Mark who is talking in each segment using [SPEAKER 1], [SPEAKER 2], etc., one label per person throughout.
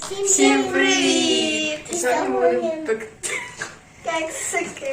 [SPEAKER 1] Всім привіт! Сьогодні ми будемо пекти кексики.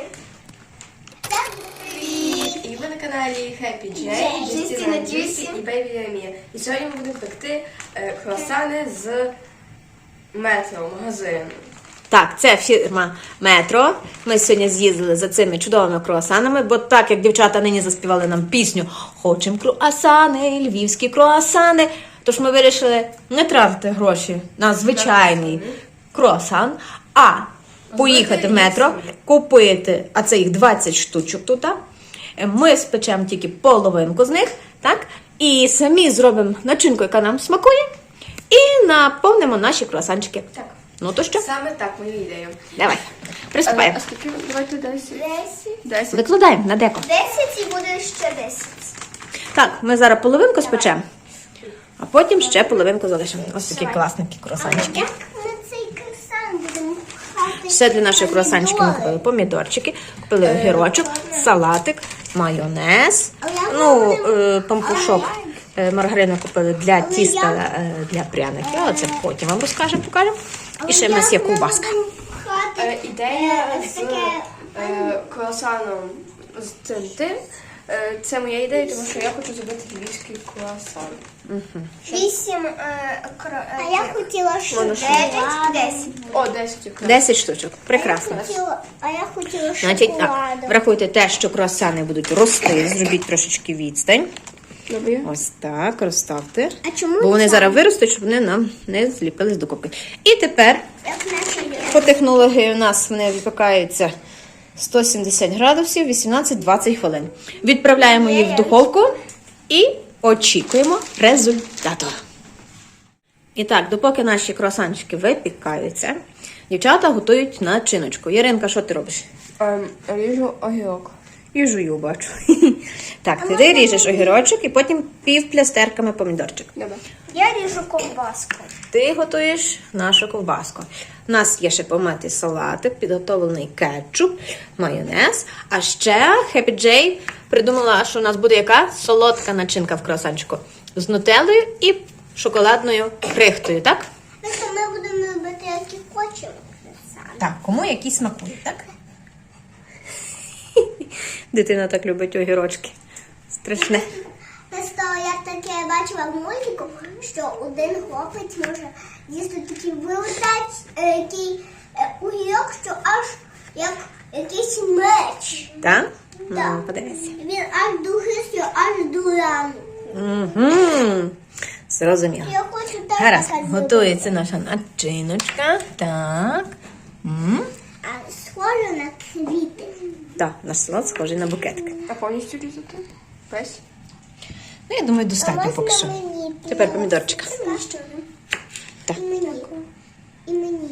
[SPEAKER 1] Привіт! І ви на каналі Happy J, Justina Juicy і Baby Lamia. І сьогодні ми будемо пекти круасани з Метро магазину.
[SPEAKER 2] Так, це фірма Метро. Ми сьогодні з'їздили за цими чудовими круасанами, бо так, як дівчата нині заспівали нам пісню «Хочем круасани, львівські круасани», тож ми вирішили не тратити гроші на звичайний круасан, а поїхати в Метро, купити, а це їх 20 штучок тут. Ми спечемо тільки половинку з них, так? І самі зробимо начинку, яка нам смакує, і наповнимо наші круасанчики.
[SPEAKER 1] Так.
[SPEAKER 2] Ну то що?
[SPEAKER 1] Саме так, мою ідею.
[SPEAKER 2] Давай, приступаємо.
[SPEAKER 1] А скільки? Давайте 10. 10.
[SPEAKER 2] Викладаємо на деко.
[SPEAKER 3] 10 і буде ще 10.
[SPEAKER 2] Так, ми зараз половинку спечемо, а потім ще половинку залишимо. Ось такі класненькі круасанчики.
[SPEAKER 3] Як ми цей круасан будемо пхати?
[SPEAKER 2] Ще для наших круасанчиків ми купили помідорчики, купили огірочок, салатик, майонез, пампушок. Маргарину купили для тіста, для пряників, але це потім вам розкажемо, покажемо. І ще в нас є ковбаска.
[SPEAKER 1] Ідея з круасаном з цим. Це моя ідея, тому що я хочу зробити львівський круасан.
[SPEAKER 3] 8 а я хотіла ще 9, 10.
[SPEAKER 1] О, 10 якраз.
[SPEAKER 2] 10 штучок. Прекрасно.
[SPEAKER 3] А я хотіла
[SPEAKER 2] Значить, так,
[SPEAKER 3] шоколаду.
[SPEAKER 2] врахуйте те, що круасани будуть рости, зробіть трошечки відстань.
[SPEAKER 1] Добре.
[SPEAKER 2] Ось так, розставте.
[SPEAKER 3] А чому
[SPEAKER 2] Бо вони
[SPEAKER 3] не
[SPEAKER 2] зараз виростуть, щоб вони нам не зліпились докупи. І тепер
[SPEAKER 3] як наші люди?
[SPEAKER 2] по технології у нас вони випікаються 170 градусів, 18-20 хвилин. Відправляємо їх в духовку і очікуємо результату. І так, допоки наші круасанчики випікаються, дівчата готують начиночку. Яринка, що ти робиш?
[SPEAKER 1] Ріжу огірок.
[SPEAKER 2] І жую, бачу. Так, ти ріжеш огірочок і потім півплястерками помідорчик.
[SPEAKER 1] Добре.
[SPEAKER 3] Я ріжу ковбаску.
[SPEAKER 2] Ти готуєш нашу ковбаску. У нас є ще помитий салатик, підготовлений кетчуп, майонез. А ще Happy J придумала, що у нас буде яка солодка начинка в круасанчику. З нутеллою і шоколадною крихтою, так?
[SPEAKER 3] Тобто ми будемо робити, які хочемо.
[SPEAKER 2] Так, кому які смакують, так? Дитина так любить огірочки. Страшне.
[SPEAKER 3] Просто я таке бачила в мультику, що один хлопець може їсти такий великий огірок, що аж як якийсь меч.
[SPEAKER 2] Так?
[SPEAKER 3] Так.
[SPEAKER 2] Ну, подивися.
[SPEAKER 3] Він аж духистий, аж до рану.
[SPEAKER 2] Угу. Зрозуміло.
[SPEAKER 3] Я хочу так
[SPEAKER 2] Гаразд,
[SPEAKER 3] зробити.
[SPEAKER 2] готується наша начиночка. Так.
[SPEAKER 3] А схоже на квіти.
[SPEAKER 2] Так, наш салат схожий на букетик.
[SPEAKER 1] А повністю різати? Весь?
[SPEAKER 2] Ну, я думаю, достатньо поки що.
[SPEAKER 3] мені?
[SPEAKER 2] Тепер помідорчика.
[SPEAKER 3] На що?
[SPEAKER 2] Так.
[SPEAKER 3] І мені. І мені.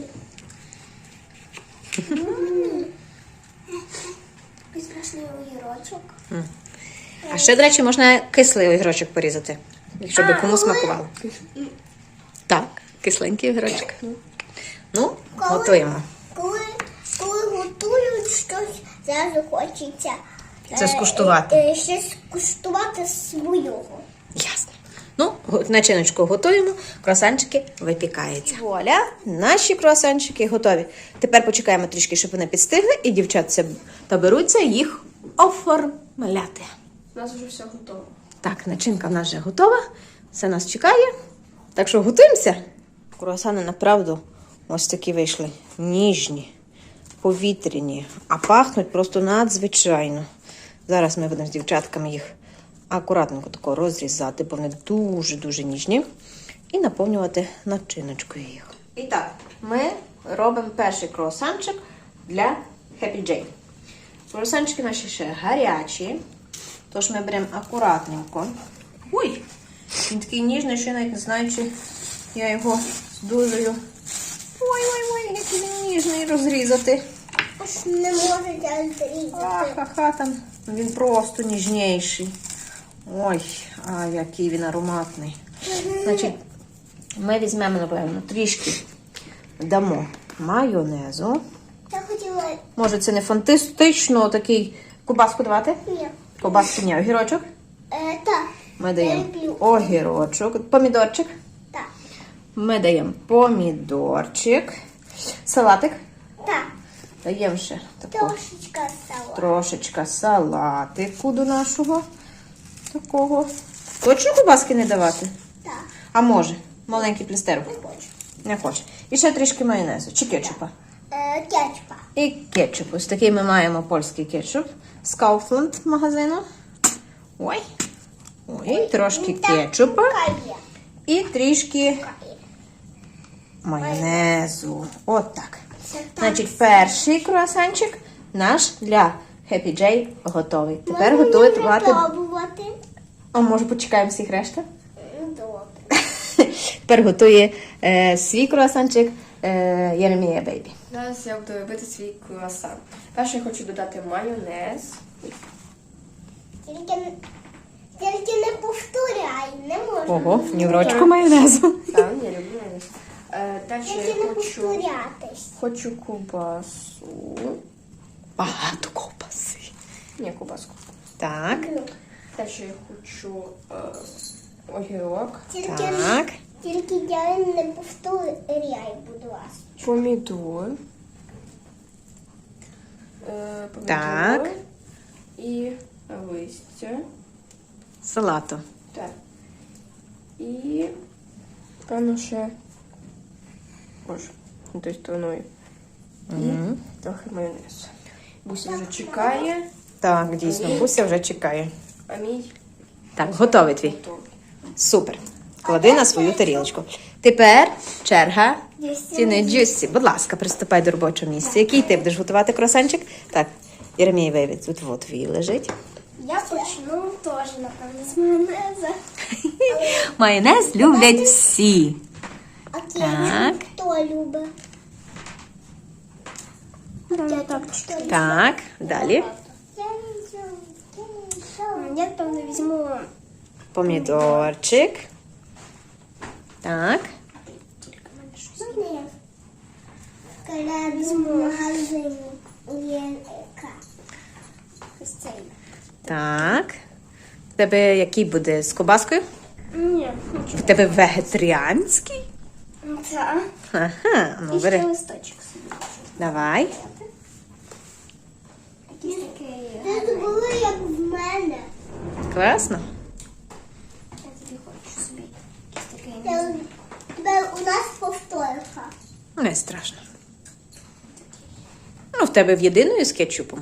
[SPEAKER 3] Візьмеш огірочок.
[SPEAKER 2] А ще, до речі, можна кислий огірочок порізати, якщо би кому смакувало. Так, кисленький огірочок. Ну, готуємо.
[SPEAKER 3] Коли готують щось, зразу хочеться
[SPEAKER 2] Це скуштувати.
[SPEAKER 3] Щось скуштувати свого.
[SPEAKER 2] Ясно. Ну, начиночку готуємо, круасанчики випікаються. Вуаля, наші круасанчики готові. Тепер почекаємо трішки, щоб вони підстигли, і дівчатця беруться їх оформляти.
[SPEAKER 1] У нас вже все готово.
[SPEAKER 2] Так, начинка в нас вже готова, все нас чекає. Так що готуємося. Круасани, направду, ось такі вийшли. Ніжні, повітряні, а пахнуть просто надзвичайно. Зараз ми будемо з дівчатками їх акуратненько тако розрізати, бо вони дуже-дуже ніжні. І наповнювати начиночкою їх. І так, ми робимо перший круасанчик для Happy J. Круасанчики наші ще гарячі, тож ми беремо акуратненько. Ой, він такий ніжний, що я навіть не знаю, чи я його здужую. Ой, який він ніжний розрізати.
[SPEAKER 3] Аж не можете зрізати.
[SPEAKER 2] Ха-ха, там він просто ніжніший. Ой, а який він ароматний. Значить, ми візьмемо, напевно, трішки дамо майонезу.
[SPEAKER 3] Я хотіла...
[SPEAKER 2] Може, це не фантастично такий кубаску давати?
[SPEAKER 3] Ні.
[SPEAKER 2] Кубаску, ні, огірочок.
[SPEAKER 3] Так.
[SPEAKER 2] Ми даємо
[SPEAKER 3] Я люблю.
[SPEAKER 2] огірочок, помідорчик.
[SPEAKER 3] Так.
[SPEAKER 2] Ми даємо помідорчик. Салатик.
[SPEAKER 3] Так,
[SPEAKER 2] Даємо ще таку
[SPEAKER 3] трошечка сала.
[SPEAKER 2] трошечка салатику до нашого такого. Точно кубаски не давати?
[SPEAKER 3] Так,
[SPEAKER 2] А може? Маленький плістерок.
[SPEAKER 3] не хочу.
[SPEAKER 2] Не хоче. І ще трішки майонезу чи кетчупа.
[SPEAKER 3] Кетчупа.
[SPEAKER 2] І кетчуп. Ось такий ми маємо польський кетчуп з Kaufland магазину. Ой. Ой, трошки кетчупа
[SPEAKER 3] Кає.
[SPEAKER 2] і трішки майонезу. От так. Значить, перший круасанчик наш для Happy J готовий. Тепер готувати.
[SPEAKER 3] Пробувати.
[SPEAKER 2] А може почекаємо всіх решта?
[SPEAKER 3] Добре.
[SPEAKER 2] Тепер готує свій круасанчик Єремія Бейбі.
[SPEAKER 1] Зараз я буду робити свій круасан. Перше я хочу додати майонез.
[SPEAKER 3] Тільки не повторяй, не можна.
[SPEAKER 2] Ого, ні в рочку майонезу.
[SPEAKER 1] Так, я люблю майонез. Далі
[SPEAKER 3] Тільки
[SPEAKER 1] я
[SPEAKER 3] не
[SPEAKER 1] хочу
[SPEAKER 3] повторятись.
[SPEAKER 1] ковбасу.
[SPEAKER 2] Багато ковбаси.
[SPEAKER 1] Ні, ковбаску.
[SPEAKER 2] Так,
[SPEAKER 1] Далі я хочу огірок,
[SPEAKER 2] так.
[SPEAKER 3] Тільки я не повторяй, будь ласка.
[SPEAKER 1] помідор.
[SPEAKER 2] Так.
[SPEAKER 1] І листя.
[SPEAKER 2] Салату.
[SPEAKER 1] Так. І певно ще. Боже, не тою стороною. І трохи майонезу. Буся вже чекає,
[SPEAKER 2] Так, дійсно, Буся вже чекає.
[SPEAKER 1] а мій
[SPEAKER 2] Так, готовий твій.
[SPEAKER 1] готовий.
[SPEAKER 2] Супер. Клади на свою тарілочку. Тепер черга
[SPEAKER 3] Джусі.
[SPEAKER 2] Тіни Джусі. Будь ласка, приступай до робочого місця. Який ти будеш готувати круасанчик? Так, Єремій Бейбі, тут вот твій лежить.
[SPEAKER 3] Я почну теж, напевно, з майонеза.
[SPEAKER 2] Майонез люблять всі.
[SPEAKER 3] А
[SPEAKER 2] Так.
[SPEAKER 3] кетчуп хто любить?
[SPEAKER 2] Так, далі.
[SPEAKER 3] Я там не візьму.
[SPEAKER 2] Помідорчик. Так.
[SPEAKER 3] Я візьму в магазині. Єнка. Ось цей.
[SPEAKER 2] Так. В тебе який буде з кобаскою?
[SPEAKER 3] Ні,
[SPEAKER 2] В тебе вегетаріанський?
[SPEAKER 3] це.
[SPEAKER 2] Ага, ну
[SPEAKER 3] І ще
[SPEAKER 2] бери.
[SPEAKER 3] листочок собі.
[SPEAKER 2] Давай.
[SPEAKER 3] Якийсь такий. Це було як в мене.
[SPEAKER 2] Класно.
[SPEAKER 3] Я тобі хочу собі. Якийсь такий. Тепер у нас повторка.
[SPEAKER 2] Не страшно. Ну, в тебе в єдиною з кетчупом.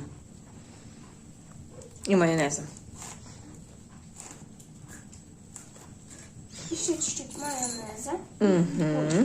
[SPEAKER 2] І майонезом.
[SPEAKER 3] І ще чуть-чуть майонеза.
[SPEAKER 2] Угу.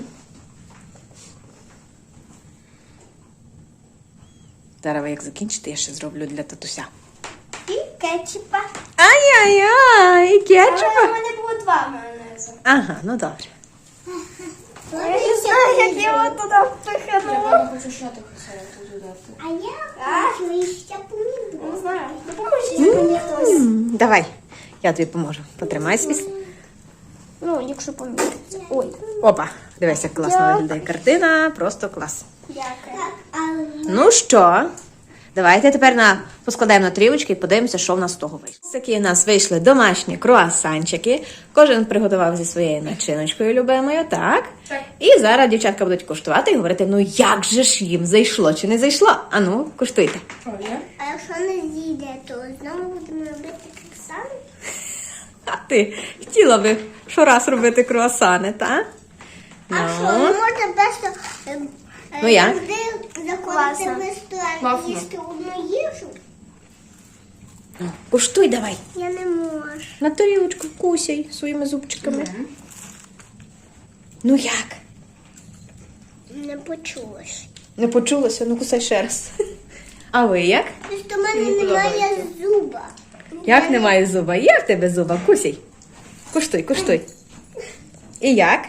[SPEAKER 2] Зараз, як закінчите, я ще зроблю для татуся.
[SPEAKER 3] І кетчупа.
[SPEAKER 2] Ай-яй-яй, і
[SPEAKER 3] Але
[SPEAKER 2] кетчупа.
[SPEAKER 3] в мене було 2 майонези.
[SPEAKER 2] Ага, ну добре.
[SPEAKER 3] Я не знаю, як його туди
[SPEAKER 1] Я
[SPEAKER 3] впихнула.
[SPEAKER 1] певно хочу ще трохи салату додати.
[SPEAKER 3] А я хочу ще помідор. Не знаю. Допоможіть мені хтось.
[SPEAKER 2] Давай, я тобі поможу. Потримай свій.
[SPEAKER 3] Ну, якщо помідор. Ой.
[SPEAKER 2] Опа, дивись, як класно виглядає картина. Просто клас.
[SPEAKER 3] Дякую.
[SPEAKER 2] Ну що, давайте тепер поскладаємо на трілочки і подивимося, що в нас з того вийшло. Такі у нас вийшли домашні круасанчики. Кожен приготував зі своєю начиночкою любимою, так?
[SPEAKER 1] Так.
[SPEAKER 2] І зараз дівчатка будуть куштувати і говорити, ну як же ж їм зайшло чи не зайшло? А ну, куштуйте.
[SPEAKER 1] Правильно?
[SPEAKER 3] А якщо не зійде, то знову будемо робити так само?
[SPEAKER 2] А ти хотіла би щораз робити круасани, так?
[SPEAKER 3] А що, не можна просто
[SPEAKER 2] Ну, як?
[SPEAKER 3] завжди заходити в ресторан
[SPEAKER 1] Класно.
[SPEAKER 3] і їсти одну їжу?
[SPEAKER 2] Куштуй давай.
[SPEAKER 3] Я не можу.
[SPEAKER 2] На тарілочку кусяй своїми зубчиками. Ну як?
[SPEAKER 3] Не почулась.
[SPEAKER 2] Не почулося? Ну кусай ще раз. А ви як?
[SPEAKER 3] Просто в мене немає зуба.
[SPEAKER 2] Як немає зуба? Є в тебе зуба? Кусяй. Куштуй, куштуй. І як?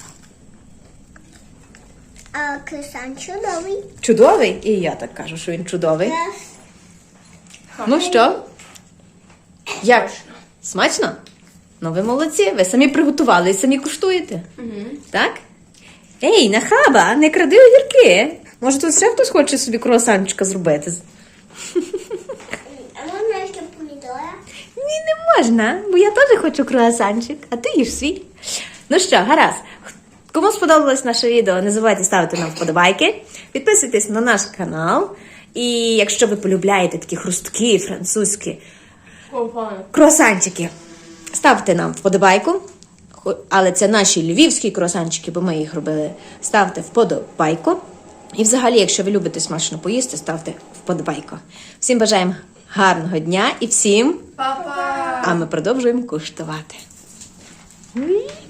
[SPEAKER 3] А круасан чудовий.
[SPEAKER 2] Чудовий? І я так кажу, що він чудовий. Ну що? Як? Смачно? Ну ви молодці, ви самі приготували і самі куштуєте. Так? Ей, нахаба, не кради огірки. Може тут ще хтось хоче собі круасанчика зробити?
[SPEAKER 3] А можна ще помідора?
[SPEAKER 2] Ні, не можна, бо я теж хочу круасанчик, а ти їж свій. Ну що, гаразд. Кому сподобалось наше відео, не забувайте ставити нам вподобайки, підписуйтесь на наш канал. І якщо ви полюбляєте такі хрусткі французькі круасанчики, ставте нам вподобайку. Але це наші львівські круасанчики, бо ми їх робили. Ставте вподобайку. І взагалі, якщо ви любите смачно поїсти, ставте вподобайку. Всім бажаємо гарного дня і всім,
[SPEAKER 1] Па-па!
[SPEAKER 2] а ми продовжуємо куштувати.